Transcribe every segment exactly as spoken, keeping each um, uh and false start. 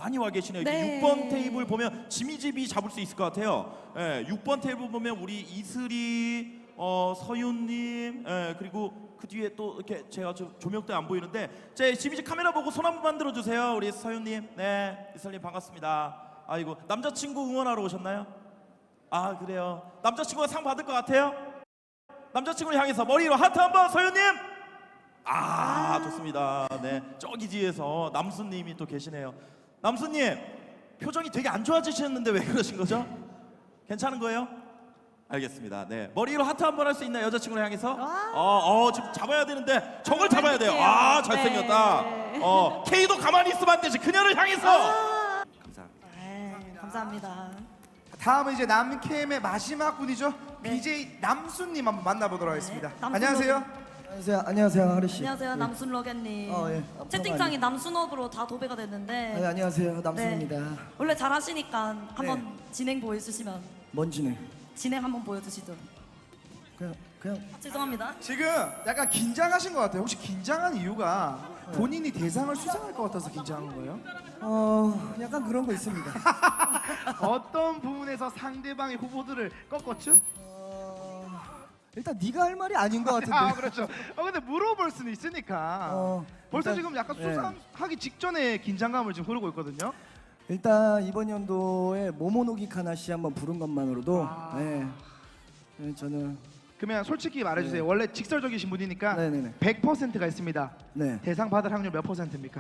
많이 와 계시네요. 네. 육 번 테이블 보면 지미집이 잡을 수 있을 것 같아요. 예, 육 번 테이블 보면 우리 이슬이, 어, 서윤님, 예, 그리고 그 뒤에 또 이렇게 제가 좀 조명 때문에 안 보이는데 제 지미집 카메라 보고 손 한 번만 들어주세요. 우리 서윤님, 네, 이슬님 반갑습니다. 아이고 남자친구 응원하러 오셨나요? 아 그래요. 남자친구가 상 받을 것 같아요? 남자친구를 향해서 머리로 하트 한번 서윤님. 아, 좋습니다. 네, 저기 뒤에서 남수님이 또 계시네요. 남수님 표정이 되게 안 좋아지셨는데 왜 그러신 거죠? 괜찮은 거예요? 알겠습니다. 네, 머리로 하트 한 번 할 수 있나요? 여자친구를 향해서? 어, 어, 지금 잡아야 되는데 저걸 잡아야 돼요. 아, 잘생겼다. 네. 어, K도 가만히 있으면 안 되지. 그녀를 향해서. 아 감사합니다. 네, 감사합니다. 다음은 이제 남캠의 마지막 분이죠. 네. 비제이 남순님 한번 만나보도록 하겠습니다. 남순 안녕하세요. 안녕하세요. 안녕하세요, 하리 씨. 안녕하세요, 예. 남순 러겐님. 어, 예. 채팅창이 남순업으로 다 도배가 됐는데. 아, 안녕하세요, 남순입니다. 네. 원래 잘하시니까 한번 네. 진행 보여주시면 뭔지네. 진행 한번 보여주시죠. 그냥 그냥 아, 죄송합니다. 지금 약간 긴장하신 것 같아요. 혹시 긴장한 이유가 본인이 대상을 수상할 것 같아서 긴장한 거예요? 어 약간 그런 거 있습니다. 어떤 부분에서 상대방의 후보들을 꺾었죠? 어, 일단 네가 할 말이 아닌 것 같은데. 아 그렇죠. 어 근데 물어볼 수는 있으니까. 어, 벌써 일단, 지금 약간 예. 수상하기 직전에 긴장감을 지금 흐르고 있거든요. 일단 이번 연도에 모모노기 카나 씨 한번 부른 것만으로도 아. 네. 네, 저는 그러면 솔직히 말해주세요. 네. 원래 직설적이신 분이니까 네네네. 백 퍼센트가 있습니다. 네. 대상 받을 확률 몇 퍼센트입니까?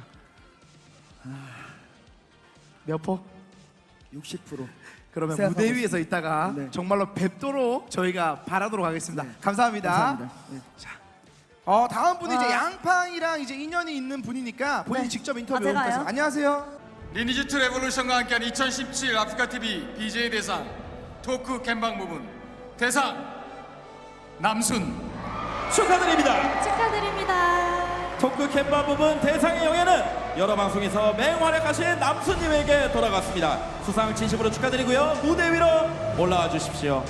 몇 퍼? 육십 퍼센트. 그러면 생각하고 무대 위에서 있다가 네. 정말로 뵙도록 저희가 바라도록 하겠습니다. 네. 감사합니다. 감사합니다. 네. 어 다음 분이 이제 아. 양팡이랑 이제 인연이 있는 분이니까 본인이 네. 직접 아, 인터뷰 제가요? 해보겠습니다. 안녕하세요. 리니지 투 레볼루션과 함께한 이천십칠 아프리카티비 비제이 대상 토크 캠방 부분 대상 남순 축하드립니다. 축하드립니다. 토크 캠바 부분 대상의 영예는 여러 방송에서 맹활약하신 남수님에게 돌아갔습니다. 수상 진심으로 축하드리고요. 무대 위로 올라와 주십시오.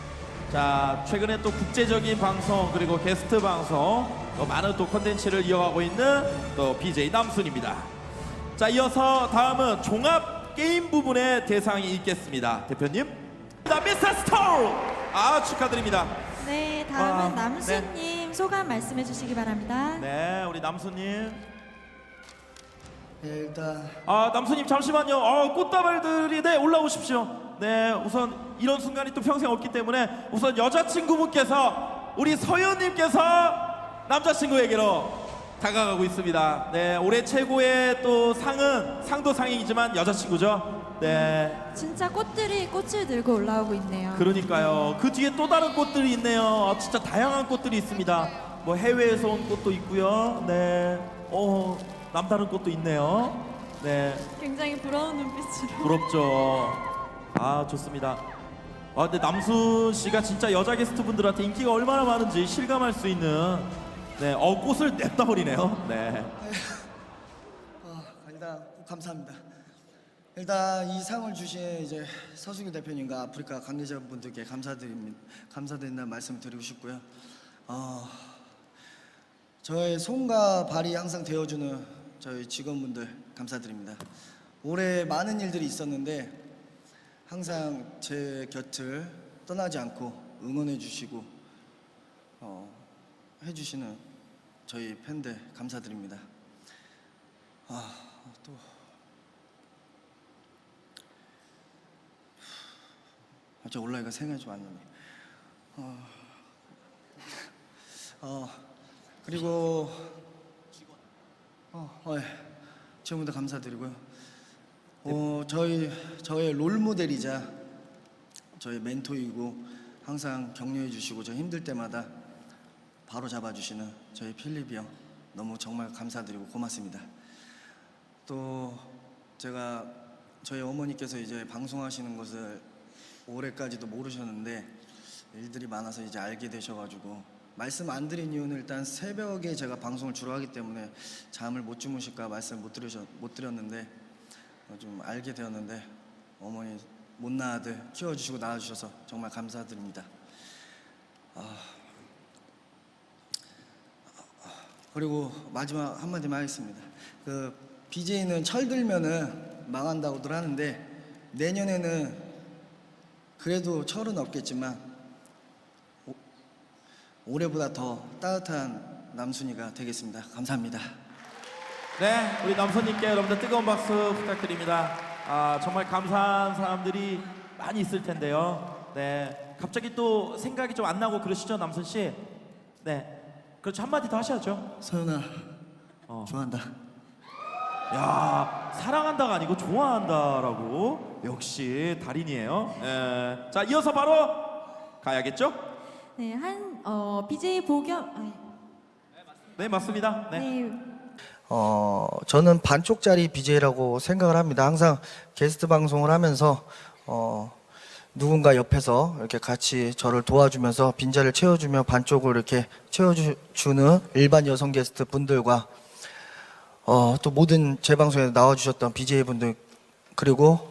자, 최근에 또 국제적인 방송 그리고 게스트 방송 또 많은 또 콘텐츠를 이어가고 있는 또 비제이 남순입니다. 자, 이어서 다음은 종합 게임 부분의 대상이 있겠습니다. 대표님, 자, 미스터 스토어. 아, 축하드립니다. 네, 다음은 와, 남수님 소감 말씀해 주시기 바랍니다. 네, 우리 남수님. 네, 일단 아, 남수님 잠시만요. 아, 꽃다발들이 네 올라오십시오. 네, 우선 이런 순간이 또 평생 없기 때문에 우선 여자친구분께서 우리 서윤님께서 남자친구에게로 다가가고 있습니다. 네, 올해 최고의 또 상은 상도 상이지만 여자친구죠. 네, 진짜 꽃들이 꽃을 들고 올라오고 있네요. 그러니까요. 그 뒤에 또 다른 꽃들이 있네요. 아, 진짜 다양한 꽃들이 있습니다. 뭐 해외에서 온 꽃도 있고요. 네, 어 남다른 꽃도 있네요. 네. 굉장히 부러운 눈빛으로. 부럽죠. 아, 좋습니다. 아, 근데 남순 씨가 진짜 여자 게스트 분들한테 인기가 얼마나 많은지 실감할 수 있는 네, 어 꽃을 냅다 버리네요. 네. 어, 일단 감사합니다. 일단 이 상을 주신 이제 서승규 대표님과 아프리카 관계자분들께 감사드립니다. 감사드린다는 말씀을 드리고 싶고요. 어, 저의 손과 발이 항상 되어주는 저희 직원분들 감사드립니다. 올해 많은 일들이 있었는데 항상 제 곁을 떠나지 않고 응원해 주시고 어, 해주시는 저희 팬들 감사드립니다. 아, 또 갑자기 올라이가 생각이 좀 안 나네. 어, 어 그리고 어, 어, 예. 지금부터 감사드리고요. 어, 저희 저의 롤 모델이자 저의 멘토이고 항상 격려해 주시고 저 힘들 때마다 바로 잡아주시는 저희 필립이 형 너무 정말 감사드리고 고맙습니다. 또 제가 저희 어머니께서 이제 방송하시는 것을 올해까지도 모르셨는데 일들이 많아서 이제 알게 되셔가지고 말씀 안 드린 이유는 일단 새벽에 제가 방송을 주로 하기 때문에 잠을 못 주무실까 말씀 못 드리셨 못 드렸는데 어, 좀 알게 되었는데 어머니 못난 아들 키워주시고 낳아주셔서 정말 감사드립니다. 아, 그리고 마지막 한마디만 하겠습니다. 그 비제이는 철들면은 망한다고들 하는데 내년에는 그래도 철은 없겠지만 오, 올해보다 더 따뜻한 남순이가 되겠습니다. 감사합니다. 네, 우리 남선님께 여러분들 뜨거운 박수 부탁드립니다. 아, 정말 감사한 사람들이 많이 있을 텐데요. 네, 갑자기 또 생각이 좀 안 나고 그러시죠, 남선 씨? 네, 그렇죠. 한마디 더 하셔야죠. 서윤아, 어. 좋아한다. 야, 사랑한다가 아니고 좋아한다라고. 역시 달인이에요. 예. 자, 이어서 바로 가야겠죠? 네, 한 어, 비제이 보겸 아니, 네, 맞습니다. 네. 네. 어, 저는 반쪽짜리 비제이라고 생각을 합니다. 항상 게스트 방송을 하면서 어, 누군가 옆에서 이렇게 같이 저를 도와주면서 빈자리를 채워주며 반쪽을 이렇게 채워주는 일반 여성 게스트 분들과 어, 또 모든 제 방송에 나와주셨던 비제이 분들 그리고